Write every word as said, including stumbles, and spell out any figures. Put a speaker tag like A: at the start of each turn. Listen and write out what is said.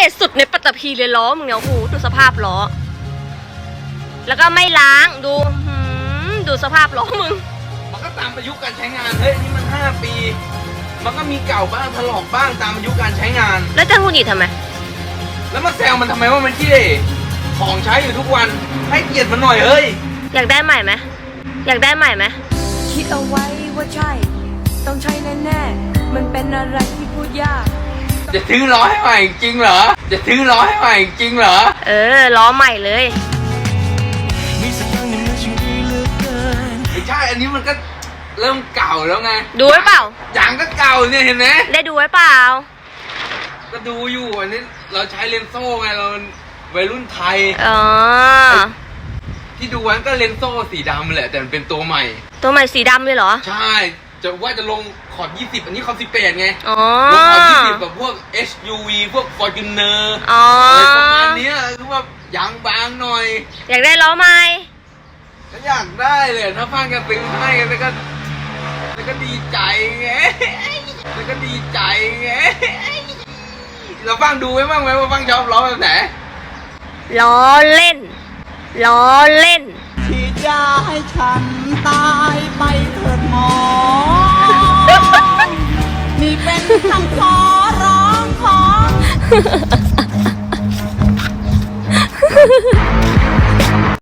A: ษสุดในปัตตภีเลยล้อมึงเนี่ยโอ้โหดูสภาพล้อแล้วก็ไม่ล้างดูดูสภาพล้อมึง
B: มันก็ตามอายุการใช้งานเฮ้ยนี่มันห้าปีมันก็มีเก่าบ้างถลอกบ้างตามอายุการใช้งาน
A: แล้วจะหงุดหงิดทำไม
B: แล้วมาแซวมันทำไมว่ามันขี้เหร่ของใช้อยู่ทุกวันให้เกียรติมันหน่อยเฮ้ย
A: อยากได้ใหม่ไหมอยากได้ใหม่ไหม
C: คิดเอาไว้ว่าใช่ต้องใช่แน่ๆมันเป็นอะไรที่พูดยาก
B: จะซื้อล้อให้ใหม่จริงเหรอจะซื้อล้อให้ใหม่จริงเหรอ
A: เออล้อใหม่เลย
B: ไม่ใช่อันนี้มันก็เริ่มเก่าแล้วไง
A: ดูไว้เปล่า
B: อย่างก็เก่าเนี่ยเห็นไหม
A: ได้ดูไว้เปล่า
B: ก็ดูอยู่อันนี้เราใช้เลนโซ่ไงเราวัยรุ่นไทย
A: อ๋อ
B: ที่ดูวันก็เลนโซ่สีดำแหละแต่มันเป็นตัวใหม่
A: ตัวใหม่สีดำเลยเหรอ
B: ใช่จะว่าจะลงขอบยี่สิบอันนี้ขอบสิบแปดไง
A: อ๋อ
B: ลงขอบยี่สิบแบบพวก เอส ยู วี พวก Fortuner
A: อ๋อ
B: อะไรประมาณนี้คือว่ายางบางหน่อย
A: อยากได้ล้อใหม่
B: ก็อยากได้เลยถ้าฟังกันซื้อให้กันแล้วก็แล้วก็ดีใจไงแล้วก็ดีใจไงเราฟังดูไว้บ้างไหมว่าฟังชอบล้อแบบไหน
A: ล้อเล่นล้อเล่น
C: ที่จะให้ฉันตายไปเถิดหมอนี่เป็นคำขอร้องของ